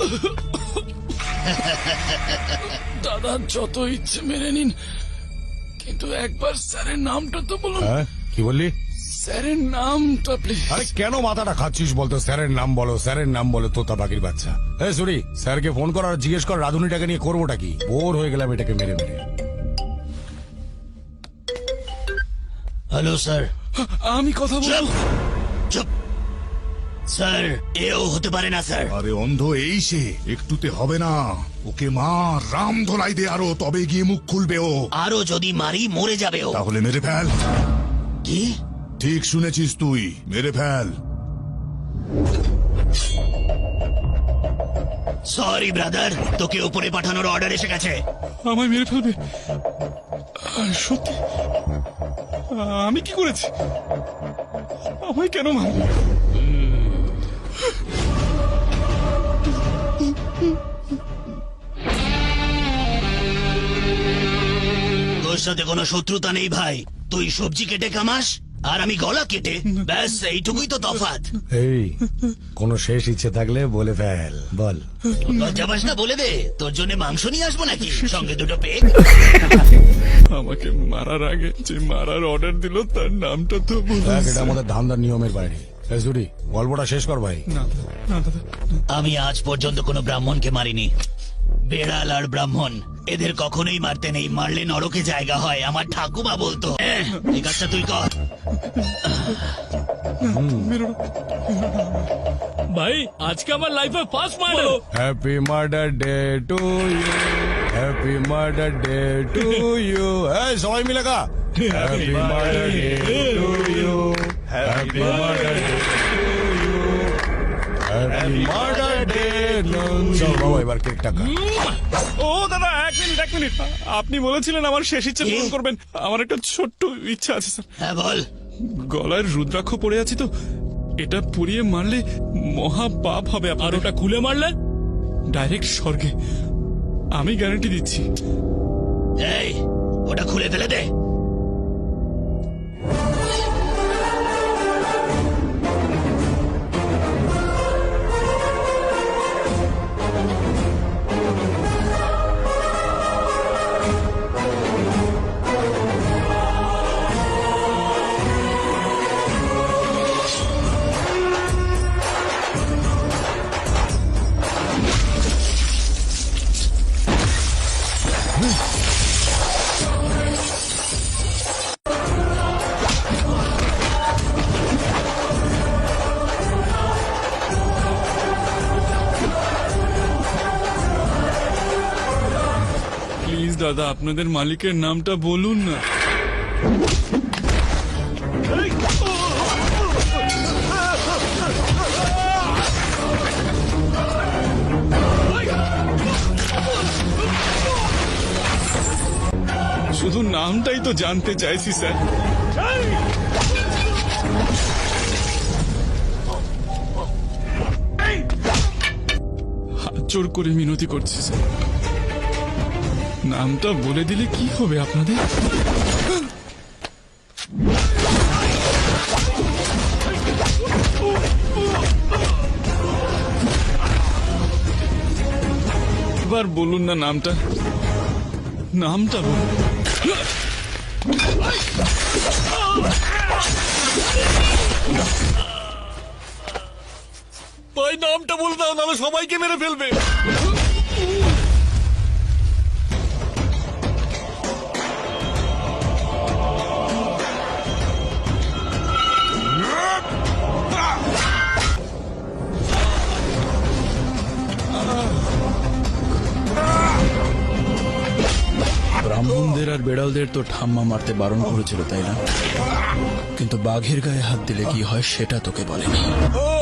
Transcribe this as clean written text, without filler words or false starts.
দাদা যত ইচ্ছে মেরে নিন, কিন্তু একবার স্যারের নামটা তো বলুন। কি বললি? স্যারের নামটা প্লিজ। আরে কেন মাথাটা খাচ্ছিস বলতো? স্যারের নাম বলো, স্যারের নাম বলো, তোতা পাখির বাচ্চা। এই সরি, স্যারকে ফোন কর আর জিজ্ঞেস কর রাধুনিটাকে নিয়ে করবোটা কি। বোর হয়ে গেলাম এটাকে মেরে মেরে। Hello sir. আমি কথা বলবো। চুপ স্যার, এও হতে পারে না স্যার। আরে অন্ধ এই সে, একটুতে হবে না। ওকে মা রাম ধোলাই দে আরো, তবে গিয়ে মুখ খুলবে ও। আরো যদি মারি মরে যাবে ও। তাহলে মেরে ফেল। কি? ঠিক শুনেছিস তুই, মেরে ফেল। সরি ব্রাদার, তোকে উপরে পাঠানোর অর্ডার এসে গেছে। আমায় মেরে ফেলবে? সত্যি? আমি কি করেছি? আমায় কেন মারবে? তোর সাথে কোনো শত্রুতা নেই ভাই। তুই সবজি কেটে কামাস আর আমি গলা কেটে, ব্যাস এইটুকুই তো তফাৎ। এই কোনো শেষ ইচ্ছে থাকলে বলে ফেল, বল। লজ্জাবাস না, বলে দে। তোর জন্য মাংস নিয়ে আসবো নাকি, সঙ্গে দুটো পেগ? আমাকে মারার আগে যে মারার অর্ডার দিল তার নামটা তো দেখ, এটা আমাদের ধান্দার নিয়মের বাইরে। এই সুরি, গল্পটা শেষ কর ভাই। না দাদা, আমি আজ পর্যন্ত কোনো ব্রাহ্মণকে মারিনি। বেড়াল আর ব্রাহ্মণ এদের কখনোই মারতে নেই, মারলে নরকে জায়গা হয়, আমার ঠাকুমা বলতো। এই কাজটা তুই কর। ভাই আজকে আমার লাইফে first murder. Happy murder day to you, happy murder day to you. এই সবাই মিলে গা। Happy murder day to you, happy murder day to you, happy murder day. চল বাবা, এবার কেকটা খা। ও দাদা এক মিনিট, আপনি বলেছিলেন আমার শেষ ইচ্ছে পূরণ করবেন। আমার একটা ছোট্ট ইচ্ছা আছে স্যার। হ্যাঁ বল। গলায় রুদ্রাক্ষ পড়ে আছি তো, এটা পুড়িয়ে মারলে মহা পাপ হবে। আর ওটা খুলে মারলে ডাইরেক্ট স্বর্গে, আমি গ্যারান্টি দিচ্ছি। এই ওটা খুলে ফেলে দে। প্লিজ দাদা, আপনাদের মালিকের নামটা বলুন না। শুধু নামটাই তো জানতে চাইছি স্যার। হাত জোর করে মিনতি করছি স্যার, নামটা বলে দিলে কি হবে আপনাদের? এবার বলুন না নামটা, নামটা বলুন। ভাই নামটা বলে দাও, নাহলে সবাইকে মেরে ফেলবে। ব্রাহ্মণদের আর বেড়ালদের তো ঠাম্মা মারতে বারণ করেছিল, তাই না? কিন্তু বাঘের গায়ে হাত দিলে কি হয় সেটা তোকে বলেনি।